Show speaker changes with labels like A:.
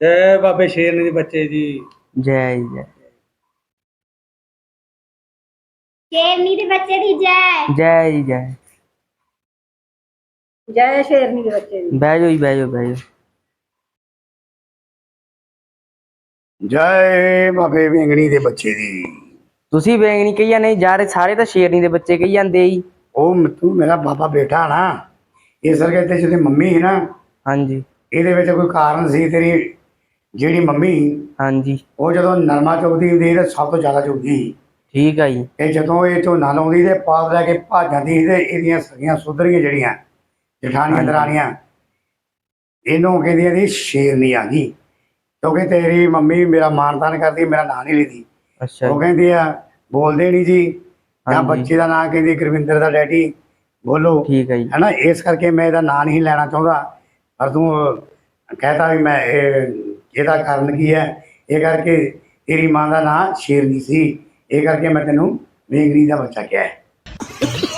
A: ਜੈ ਬਾਬੇ ਸ਼ੇਰਨੀ ਦੇ ਬੱਚੇ ਦੀ।
B: ਜੈ ਜੀ ਜੈ।
C: ਸ਼ੇਰਨੀ ਦੇ ਬੱਚੇ ਦੀ ਜੈ।
B: ਜੈ ਜੀ ਜੈ।
C: ਜੈ ਸ਼ੇਰਨੀ ਦੇ ਬੱਚੇ ਦੀ।
B: ਬਹਿ ਜਾਓ ਜੀ, ਬਹਿ ਜਾਓ, ਬਹਿ ਜਾਓ।
D: ਜੈ ਬਾਬੇ ਵੇਂਗਣੀ ਦੇ ਬੱਚੇ ਦੀ।
B: ਤੁਸੀਂ ਵੇਂਗਣੀ ਕਹੀ ਜਾਂਦੇ ਜਾ ਰਹੇ, ਸਾਰੇ ਤਾਂ ਸ਼ੇਰਨੀ ਦੇ ਬੱਚੇ ਕਹੀ ਜਾਂਦੇ ਜੀ।
D: ਉਹ ਤੂੰ ਮੇਰਾ ਬਾਬਾ ਬੇਟਾ ਨਾ, ਇਸ ਕਰਕੇ ਤੇ ਜਿਹੜੀ ਮੰਮੀ ਸੀ ਨਾ,
B: ਹਾਂਜੀ
D: ਇਹਦੇ ਵਿੱਚ ਕੋਈ ਕਾਰਨ ਸੀ। ਤੇਰੀ ਜਿਹੜੀ ਮੰਮੀ,
B: ਹਾਂਜੀ
D: ਉਹ ਜਦੋਂ ਨਰਮਾ ਚੁਗਦੀ ਹੁੰਦੀ ਸੀ ਤੇ ਸਭ ਤੋਂ ਜ਼ਿਆਦਾ ਚੁਗਦੀ ਸੀ।
B: ਠੀਕ ਆ ਜੀ।
D: ਤੇ ਜਦੋਂ ਇਹ ਝੋਨਾ ਲਾਉਂਦੀ ਤੇ ਪਾਲ ਲੈ ਕੇ ਭੱਜ ਜਾਂਦੀ ਸੀ, ਤੇ ਇਹਦੀਆਂ ਸਗੀਆਂ ਸੁਧਰੀਆਂ ਜਿਹੜੀਆਂ ਜਠਾਣੀਆਂ
B: ਹਾਂਜੀ।
D: ਦਰਾਣੀਆਂ, ਇਹਨੂੰ ਕਹਿੰਦੀਆਂ ਸੀ ਸ਼ੇਰਨੀ ਆ ਗਈ, ਕਿਉਂਕਿ ਤੇਰੀ ਮੰਮੀ ਮੇਰਾ ਮਾਣ ਤਾਣ ਕਰਦੀ, ਮੇਰਾ ਨਾਂ ਨਹੀਂ ਲੈਂਦੀ।
B: ਅੱਛਾ
D: ਉਹ
B: ਜੀ।
D: ਕਹਿੰਦੀ ਆ ਬੋਲਦੇ ਨਹੀਂ ਜੀ, ਜਾਂ
B: ਹਾਂਜੀ
D: ਬੱਚੇ ਦਾ ਨਾਂ ਕਹਿੰਦੀ ਗੁਰਵਿੰਦਰ ਦਾ ਡੈਡੀ ਬੋਲੋ,
B: ਠੀਕ ਹੈ ਜੀ।
D: ਹੈ ਨਾ। ਇਸ ਕਰਕੇ ਮੈਂ ਇਹਦਾ ਨਾਂ ਨਹੀਂ ਲੈਣਾ ਚਾਹੁੰਦਾ, ਪਰ ਤੂੰ ਕਹਿਤਾ ਵੀ ਮੈਂ ਇਹਦਾ ਕਾਰਨ ਕੀ ਹੈ। ਇਹ ਕਰਕੇ ਤੇਰੀ ਮਾਂ ਦਾ ਨਾਂ ਸ਼ੇਰਨੀ ਸੀ, ਇਹ ਕਰਕੇ ਮੈਂ ਤੈਨੂੰ ਵੇਂਗਣੀ ਦਾ ਬੱਚਾ ਕਿਹਾ ਹੈ।